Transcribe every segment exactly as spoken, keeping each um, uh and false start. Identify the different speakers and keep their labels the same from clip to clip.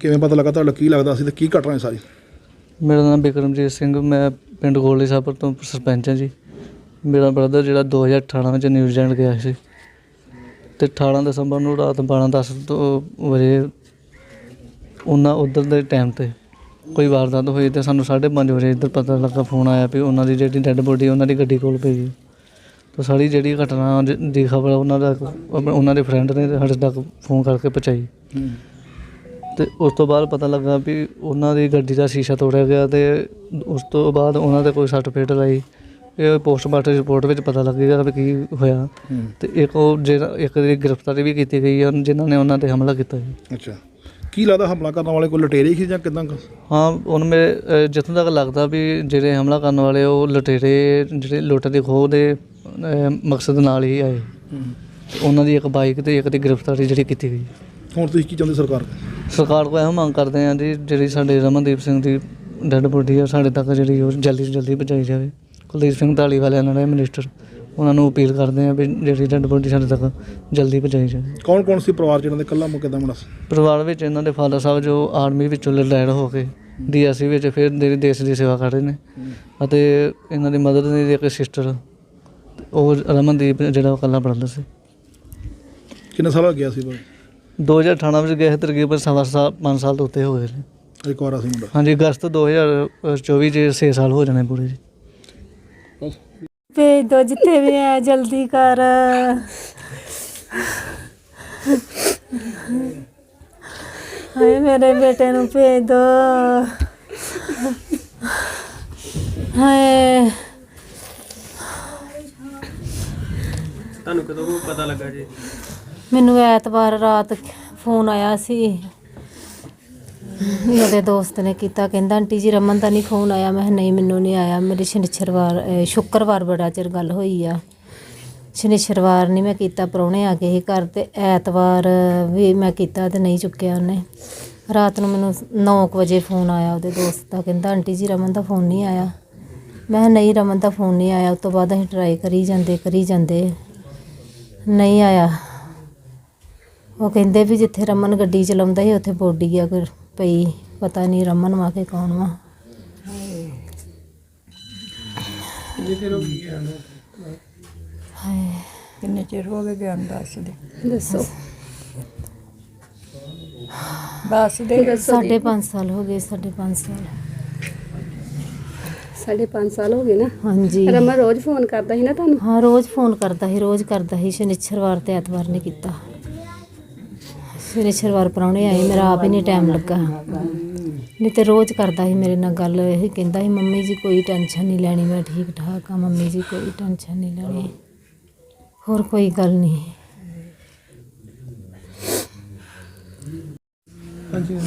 Speaker 1: ਕਿਵੇਂ ਪਤਾ ਲੱਗਾ ਤੁਹਾਡਾ ਕੀ ਲੱਗਦਾ ਸੀ ਤੇ ਕੀ ਘਟਨਾ ਸਾਰੀ?
Speaker 2: ਮੇਰਾ ਨਾਮ ਬਿਕਰਮਜੀਤ ਸਿੰਘ, ਮੈਂ ਪਿੰਡ ਗੋਲੜੀ ਸਾਬਰ ਤੋਂ ਸਰਪੰਚ ਹਾਂ ਜੀ। ਮੇਰਾ ਬ੍ਰਦਰ ਜਿਹੜਾ ਦੋ ਹਜ਼ਾਰ ਅਠਾਰਾਂ ਵਿੱਚ ਨਿਊਜ਼ੀਲੈਂਡ ਗਿਆ ਸੀ ਅਤੇ ਅਠਾਰਾਂ ਦਸੰਬਰ ਨੂੰ ਰਾਤ ਬਾਰਾਂ ਦਸ ਤੋਂ ਵਜੇ ਉਹਨਾਂ ਉੱਧਰ ਦੇ ਟਾਈਮ 'ਤੇ ਕੋਈ ਵਾਰਦਾਤ ਹੋਈ ਅਤੇ ਸਾਨੂੰ ਸਾਢੇ ਪੰਜ ਵਜੇ ਇੱਧਰ ਪਤਾ ਲੱਗਾ, ਫੋਨ ਆਇਆ ਵੀ ਉਹਨਾਂ ਦੀ ਜਿਹੜੀ ਡੈੱਡ ਬੋਡੀ ਉਹਨਾਂ ਦੀ ਗੱਡੀ ਕੋਲ ਪਈ। ਤਾਂ ਸਾਰੀ ਜਿਹੜੀ ਘਟਨਾ ਦੀ ਖਬਰ ਉਹਨਾਂ ਦਾ ਉਹਨਾਂ ਦੇ ਫਰੈਂਡ ਨੇ ਸਾਡੇ ਤੱਕ ਫੋਨ ਕਰਕੇ ਪਹੁੰਚਾਈ ਅਤੇ ਉਸ ਤੋਂ ਬਾਅਦ ਪਤਾ ਲੱਗਾ ਵੀ ਉਹਨਾਂ ਦੀ ਗੱਡੀ ਦਾ ਸ਼ੀਸ਼ਾ ਤੋੜਿਆ ਗਿਆ ਅਤੇ ਉਸ ਤੋਂ ਬਾਅਦ ਉਹਨਾਂ 'ਤੇ ਕੋਈ ਸੱਟ ਫੇਟ ਲਾਈ। ਇਹ ਪੋਸਟਮਾਰਟਮ ਰਿਪੋਰਟ ਵਿੱਚ ਪਤਾ ਲੱਗੇਗਾ ਵੀ ਕੀ ਹੋਇਆ। ਅਤੇ ਇੱਕ ਉਹ ਜਿਹੜਾ ਇੱਕ ਦੀ ਗ੍ਰਿਫਤਾਰੀ ਵੀ ਕੀਤੀ ਗਈ ਹੈ ਜਿਨ੍ਹਾਂ ਨੇ ਉਹਨਾਂ 'ਤੇ ਹਮਲਾ ਕੀਤਾ ਜੀ।
Speaker 1: ਅੱਛਾ, ਕੀ ਲੱਗਦਾ ਹਮਲਾ ਕਰਨ ਵਾਲੇ ਕੋਈ ਲੁਟੇਰੇ ਸੀ ਜਾਂ ਕਿੱਦਾਂ?
Speaker 2: ਹਾਂ, ਹੁਣ ਮੇਰੇ ਜਿੱਥੋਂ ਤੱਕ ਲੱਗਦਾ ਵੀ ਜਿਹੜੇ ਹਮਲਾ ਕਰਨ ਵਾਲੇ ਉਹ ਲੁਟੇਰੇ ਜਿਹੜੇ ਲੁੱਟ ਦੇ ਖੋਹ ਦੇ ਮਕਸਦ ਨਾਲ ਹੀ ਆਏ। ਉਹਨਾਂ ਦੀ ਇੱਕ ਬਾਈਕ ਅਤੇ ਇੱਕ ਦੀ ਗ੍ਰਿਫਤਾਰੀ ਜਿਹੜੀ ਕੀਤੀ ਗਈ।
Speaker 1: ਹੁਣ ਤੁਸੀਂ ਕੀ ਚਾਹੁੰਦੇ ਸਰਕਾਰ
Speaker 2: ਸਰਕਾਰ ਕੋਲ ਇਹੋ ਮੰਗ ਕਰਦੇ ਹਾਂ ਜੀ, ਜਿਹੜੀ ਸਾਡੇ ਰਮਨਦੀਪ ਸਿੰਘ ਦੀ ਡੈੱਡ ਬੋਡੀ ਆ ਸਾਡੇ ਤੱਕ ਜਿਹੜੀ ਉਹ ਜਲਦੀ ਤੋਂ ਜਲਦੀ ਪਹੁੰਚਾਈ ਜਾਵੇ। ਕੁਲਦੀਪ ਸਿੰਘ ਧਾਲੀਵਾਲ ਇਹਨਾਂ ਦੇ ਮਿਨਿਸਟਰ, ਉਹਨਾਂ ਨੂੰ ਅਪੀਲ ਕਰਦੇ ਹਾਂ ਵੀ ਜਿਹੜੀ ਡੈੱਡ ਬੋਡੀ ਸਾਡੇ ਤੱਕ ਜਲਦੀ ਪਹੁੰਚਾਈ ਜਾਵੇ।
Speaker 1: ਕੌਣ ਕੌਣ ਸੀ ਪਰਿਵਾਰ 'ਚ ਇਹਨਾਂ ਦੇ? ਇਕੱਲਾ ਮੁੱਕੇ ਦਾ ਮੁੰਡਾ ਸੀ
Speaker 2: ਪਰਿਵਾਰ ਵਿੱਚ? ਇਹਨਾਂ ਦੇ ਫਾਦਰ ਸਾਹਿਬ ਜੋ ਆਰਮੀ ਵਿੱਚੋਂ ਰਿਟਾਇਰ ਹੋ ਕੇ ਡੀ ਐਸ ਸੀ ਵਿੱਚ ਫਿਰ ਜਿਹੜੀ ਦੇਸ਼ ਦੀ ਸੇਵਾ ਕਰ ਰਹੇ ਨੇ, ਅਤੇ ਇਹਨਾਂ ਦੀ ਮਦਰ ਦੀ ਇੱਕ ਸਿਸਟਰ, ਉਹ ਰਮਨਦੀਪ ਜਿਹੜਾ ਉਹ ਇਕੱਲਾ ਬ੍ਰਦਰ ਸੀ।
Speaker 1: ਕਿੰਨੇ ਸਾਲ ਹੋ ਗਿਆ ਸੀ?
Speaker 2: ਦੋ ਹਜ਼ਾਰ ਅਠਾਰਾਂ ਵਿੱਚ ਗਏ ਤਕਰੀਬਨ ਸਵਾ ਸਾਲ ਪੰਜ ਸਾਲ ਤੋਂ ਉੱਤੇ ਹੋ ਗਏ ਨੇ।
Speaker 1: ਇੱਕ ਵਾਰ ਸੀ ਮੁੰਡਾ? ਹਾਂਜੀ,
Speaker 2: ਅਗਸਤ ਦੋ ਹਜ਼ਾਰ ਚੌਵੀ 'ਚ ਛੇ ਸਾਲ ਹੋ ਜਾਣੇ ਪੂਰੇ ਜੀ।
Speaker 3: ਭੇਜ ਦੋ ਜਿੱਥੇ ਵੀ ਹੈ, ਜਲਦੀ ਕਰ। ਹਾਏ ਮੇਰੇ ਬੇਟੇ ਨੂੰ ਭੇਜ ਦੋ। ਹਾਏ
Speaker 4: ਤੁਹਾਨੂੰ ਕਦੋਂ ਪਤਾ ਲੱਗਾ ਜੀ?
Speaker 3: ਮੈਨੂੰ ਐਤਵਾਰ ਰਾਤ ਫੋਨ ਆਇਆ ਸੀ, ਉਹਦੇ ਦੋਸਤ ਨੇ ਕੀਤਾ, ਕਹਿੰਦਾ ਆਂਟੀ ਜੀ ਰਮਨ ਦਾ ਨਹੀਂ ਫੋਨ ਆਇਆ? ਮੈਂ ਕਿਹਾ ਨਹੀਂ ਮੈਨੂੰ ਨਹੀਂ ਆਇਆ। ਮੇਰੀ ਸ਼ਨੀਚਰਵਾਰ ਸ਼ੁੱਕਰਵਾਰ ਬੜਾ ਚਿਰ ਗੱਲ ਹੋਈ ਆ, ਸ਼ਨੀਚਰਵਾਰ ਨਹੀਂ ਮੈਂ ਕੀਤਾ, ਪ੍ਰਾਹੁਣੇ ਆ ਗਏ ਸੀ ਘਰ, ਅਤੇ ਐਤਵਾਰ ਵੀ ਮੈਂ ਕੀਤਾ ਅਤੇ ਨਹੀਂ ਚੁੱਕਿਆ ਉਹਨੇ। ਰਾਤ ਨੂੰ ਮੈਨੂੰ ਨੌ ਕੁ ਵਜੇ ਫੋਨ ਆਇਆ ਉਹਦੇ ਦੋਸਤ ਦਾ, ਕਹਿੰਦਾ ਆਂਟੀ ਜੀ ਰਮਨ ਦਾ ਫੋਨ ਨਹੀਂ ਆਇਆ? ਮੈਂ ਕਿਹਾ ਨਹੀਂ ਰਮਨ ਦਾ ਫੋਨ ਨਹੀਂ ਆਇਆ। ਉਸ ਤੋਂ ਬਾਅਦ ਅਸੀਂ ਟਰਾਈ ਕਰੀ ਜਾਂਦੇ ਕਰੀ ਜਾਂਦੇ ਨਹੀਂ ਆਇਆ। ਉਹ ਕਹਿੰਦੇ ਵੀ ਜਿੱਥੇ ਰਮਨ ਗੱਡੀ ਚਲਾਉਂਦਾ ਸੀ ਉੱਥੇ ਬੋਡੀ ਆ ਕੋਈ ਪਈ, ਪਤਾ ਨਹੀਂ ਰਮਨ ਵਾ ਕੇ ਕੌਣ ਵਾ।
Speaker 5: ਕਿੰਨੇ ਚਿਰ ਹੋ ਗਏ ਗਿਆ? ਦੱਸ ਦੇ
Speaker 3: ਦੱਸੋ।
Speaker 5: ਦੱਸ ਦੇ।
Speaker 3: ਸਾਢੇ ਪੰਜ ਸਾਲ ਹੋ ਗਏ। ਸਾਢੇ ਪੰਜ ਸਾਲ
Speaker 6: ਸਾਢੇ ਪੰਜ ਸਾਲ ਹੋ ਗਏ ਨਾ?
Speaker 3: ਹਾਂਜੀ।
Speaker 6: ਰਮਨ ਰੋਜ਼ ਫੋਨ ਕਰਦਾ ਸੀ ਨਾ ਤੁਹਾਨੂੰ?
Speaker 3: ਹਾਂ ਰੋਜ਼ ਫੋਨ ਕਰਦਾ ਸੀ, ਰੋਜ਼ ਕਰਦਾ ਸੀ। ਸ਼ਨੀਚਰਵਾਰ ਤੇ ਐਤਵਾਰ ਨੇ ਕੀਤਾ। ਸ਼ਨੀਚਰਵਾਰ ਪ੍ਰਾਹੁਣੇ ਆਏ, ਮੇਰਾ ਆਪ ਹੀ ਨਹੀਂ ਟਾਈਮ ਲੱਗਾ, ਨਹੀਂ ਤਾਂ ਰੋਜ਼ ਕਰਦਾ ਸੀ ਮੇਰੇ ਨਾਲ ਗੱਲ। ਇਹ ਕਹਿੰਦਾ ਸੀ ਮੰਮੀ ਜੀ ਕੋਈ ਟੈਨਸ਼ਨ ਨਹੀਂ ਲੈਣੀ, ਮੈਂ ਠੀਕ ਠਾਕ ਹਾਂ ਮੰਮੀ ਜੀ, ਕੋਈ ਟੈਨਸ਼ਨ ਨਹੀਂ ਲੈਣੀ, ਹੋਰ ਕੋਈ ਗੱਲ ਨਹੀਂ।
Speaker 4: ਹਾਂਜੀ,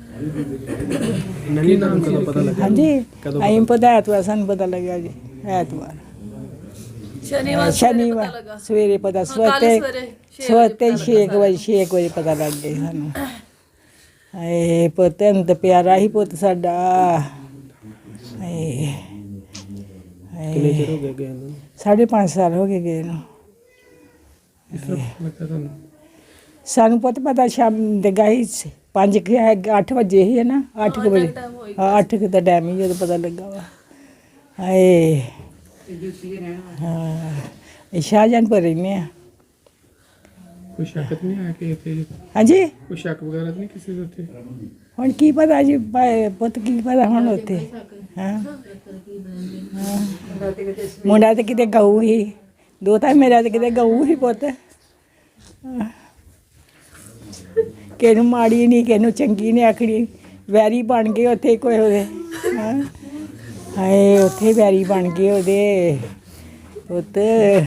Speaker 4: ਕੀ ਨਾਮ ਕਦੋਂ ਪਤਾ ਲੱਗਾ?
Speaker 5: ਹਾਂਜੀ, ਅਸੀਂ ਪਤਾ ਐਤਵਾਰ ਸਾਨੂੰ ਪਤਾ ਲੱਗਿਆ ਜੀ। ਐਤਵਾਰ ਸ਼ਨੀਵਾਰ ਸ਼ਨੀਵਾਰ ਸਵੇਰੇ ਪਤਾ, ਸਵੇਰੇ ਸਵੇਰੇ ਛੇ ਕੁ ਵਜੇ ਛੇ ਕੁ ਵਜੇ ਪਤਾ ਲੱਗ ਗਿਆ ਸਾਨੂੰ। ਹਾਏ ਪੁੱਤ ਨੂੰ ਤਾਂ ਪਿਆਰਾ ਹੀ ਪੁੱਤ ਸਾਡਾ। ਹਾਏ
Speaker 4: ਕਿੰਨੇ ਚਿਰ ਹੋ ਗਿਆ ਗਏ ਨੂੰ?
Speaker 5: ਸਾਢੇ ਪੰਜ ਸਾਲ ਹੋ ਗਏ ਗਏ ਨੂੰ।
Speaker 4: ਇਸ ਤਰ੍ਹਾਂ ਲੱਗਾ ਤੁਹਾਨੂੰ?
Speaker 5: ਸਾਨੂੰ ਪੁੱਤ ਪਤਾ ਸ਼ਾਮ ਦੇ ਗਾਈ ਪੰਜ ਕੁ ਅੱਠ ਵਜੇ ਹੀ ਹੈ ਨਾ, ਅੱਠ ਕੁ ਵਜੇ। ਹਾਂ ਅੱਠ ਕੁ ਦਾ ਟਾਈਮ ਹੀ ਜਦੋਂ ਪਤਾ ਲੱਗਾ ਵਾ। ਹਾਏ ਹਾਂ, ਇਹ ਸ਼ਾਹਜਹਾਨਪੁਰ ਰਹਿੰਦੇ ਆ।
Speaker 4: ਕੋਈ ਸ਼ੱਕ ਤਾਂ ਨਹੀਂ ਆਇਆ ਕਿ ਇੱਥੇ
Speaker 5: ਹਾਂਜੀ?
Speaker 4: ਕੋਈ ਸ਼ੱਕ ਵਗੈਰਾ ਤਾਂ ਨਹੀਂ ਕਿਸੇ ਦੇ ਉੱਤੇ?
Speaker 5: ਹੁਣ ਕੀ ਪਤਾ ਜੀ ਭਾਈ ਪੁੱਤ, ਕੀ ਪਤਾ ਹੁਣ ਉੱਥੇ। ਹਾਂ ਮੁੰਡਾ ਤਾਂ ਕਿਤੇ ਗਊ ਹੀ, ਦੋ ਤਾਂ ਮੇਰਾ ਤਾਂ ਕਿਤੇ ਗਊ ਹੀ ਪੁੱਤ। ਕਿਸੇ ਨੂੰ ਮਾੜੀ ਨਹੀਂ, ਕਿਸੇ ਨੂੰ ਚੰਗੀ ਨਹੀਂ ਆਖਣੀ, ਵੈਰੀ ਬਣ ਗਏ ਉੱਥੇ ਕੋਈ ਉਹਦੇ। ਹਾਂ ਹਾਏ ਉੱਥੇ ਵੈਰੀ ਬਣ ਗਏ ਉਹਦੇ ਪੁੱਤ।